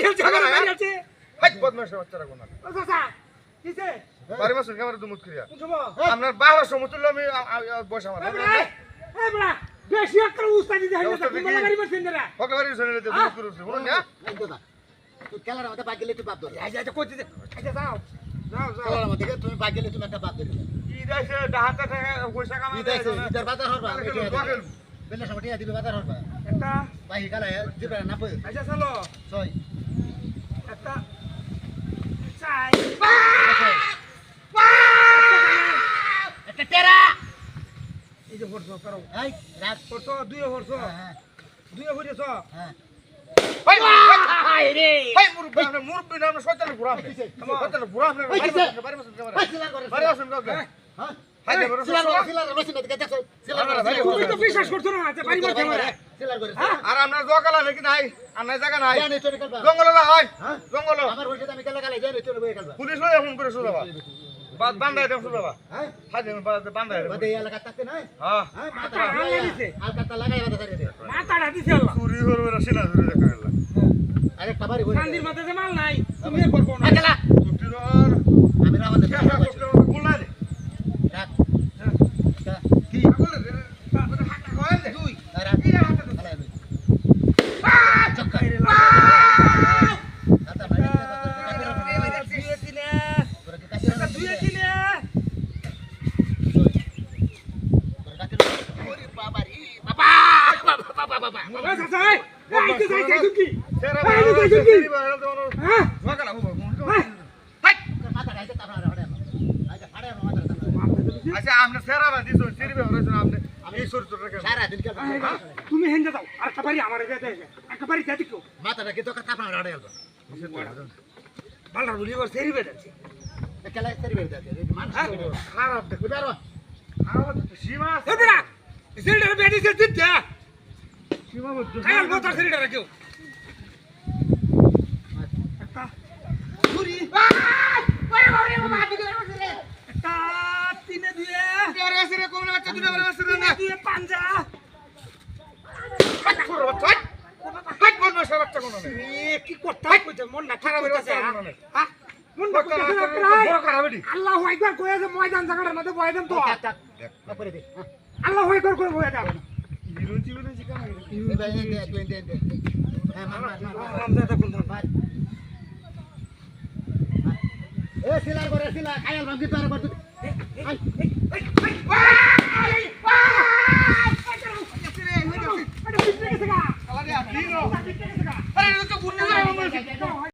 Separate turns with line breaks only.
খেলছে আমার মারি আছে
হাই বদমাশ বাচ্চারা কোন
ও চাচা কিছে
বাড়ি মাসুল ক্যামেরা দুমুত করিয়া
বুঝবো
আপনার বাবা সমতুল্য আমি বসা আমার
এই বড়া বেশি একটা উস্তাদি দেখাই না তুমি গাড়ি মারছেন না
ওকে বাড়ি শুনে নিতে দুমুত করছিস বলুন না
তুই খেলার মধ্যে বাদ গেলে তুই বাদ ধরে
এই যে কইতে আচ্ছা যাও যাও যাও
খেলার মধ্যে তুমি বাদ গেলে তুমি একটা বাদ ধরে
কি দাইছে ডাহাতে টাকা পয়সা কামাই
দিতেছে ইদার বাজার হরবা বেলা সময় টিয়া দিবে বাজার হরবা
একটা
বাহি গালা দিবে না পয়
আচ্ছা চলো
ছয়
একটা চাই
একটা টেরা
এই যে ফটো করো
এই রাত
ফটো দুই ফটো
হ্যাঁ
দুই ফটো
হ্যাঁ
ভাই
হাই রে
ভাই মুরব্বি নাম শয়তান পুরা আপনি শয়তান পুরা আপনি বাড়ি মাসুল ক্যামেরা
ভাই সিলার করে
বাড়ি মাসুল ক্যামেরা
হ্যাঁ
হাই দেবর
সিলার রসিন দেখে দেখো সিলার
তুমি তো বিশ্বাস করছো না যে বাড়ি মারতে পারে
সিলার করে
আর আপনার জকালা নাকি নাই আর নাই জায়গা নাই
জানি চলে কালবা
জঙ্গল না হয়
হ্যাঁ
জঙ্গল
আমার হইছে আমি কালা কালা জানি চলে বই কালবা
পুলিশ লয়ে ফোন করে শুধাবা বান্দাই দেব শুধাবা
হ্যাঁ
হাই দেব বান্দাই দেব
বাদে এলাকা থাকতে নাই
হ্যাঁ
হ্যাঁ মাথা
আল্লাহ দিছে
আর কাটা লাগাই বাদে ধরে দে
মাথাটা দিছে আল্লাহ
চুরি করবে না সিনা ধরে দেখা গেল
আরে খাবারই বলে
কান্দির মাথায় যে মাল নাই তুমি করবো না
খেলা
চুরির
আমি রাওয়ালে
খেলা করতে বললা রে
রাত
কি বলে রে হাঁটা কয় দে তুই
রাত খেলা আমি চক্কা রে দাদা ভাই
দুয়ে তিনে
তোরা কি কাছে
দুয়ে তিনে
ওরে বাবা রে বাবা বাবা বাবা
ও চাচা আইতে যাইতে কি
সেরা
এই যে
ভাই
দেখুন কি?
সেরি ভাই তো
হ্যাঁ
জকালা হবো
হাই
মাথা খাইতে তারপরে হাড়ে আচ্ছা হাড়ে মাথা
আচ্ছা আপনি সেরা ভাই দিছো সেরি ভাই হইছেন আপনি এই চরিত্র রেখে
সারা দিন কে
তুমি হেন্দে দাও আর কাবারি আমারে দে দে আর কাবারি দে দিকো
মাথাটা কি তো তারপরে হাড়ে গেল
ভালো বলি ওর সেরি বেদাছে
খেলা সেরি বের দাও মানুষ
খারাপ দেখো
বুঝারো
খারাপ সীমা
এ বড়া সেরিটা বেদি সে দিতে
সীমা মত
খায়াল কথা সেরিটা রাখিও একটা ছুরি একটা তিনে দিয়ে
আর আছে রে কোন বাচ্চা দুটো বড় আছে না
দিয়ে পাঞ্জা
হাট করো বাচ্চা হাট বল না বাচ্চা কোন না
কি করতে কইতে মন না খারাপ হইতাছে হ্যাঁ মন না কইতে
বড় খারাপ এটি
আল্লাহু আকবার কইয়া যে ময়দান জায়গাটার মধ্যে বয় দেন তো
তারপরে দে
আল্লাহু আকবার করে বয় দাও
বিরুচি বিরুচি কেন
এই ভাই দে হ্যাঁ মার
রামজাদা কোন
মার এ সিলার করে সিলা খায়াল ভাঙি তো আর কত
আরে আপনি নো আরে তো গুন্না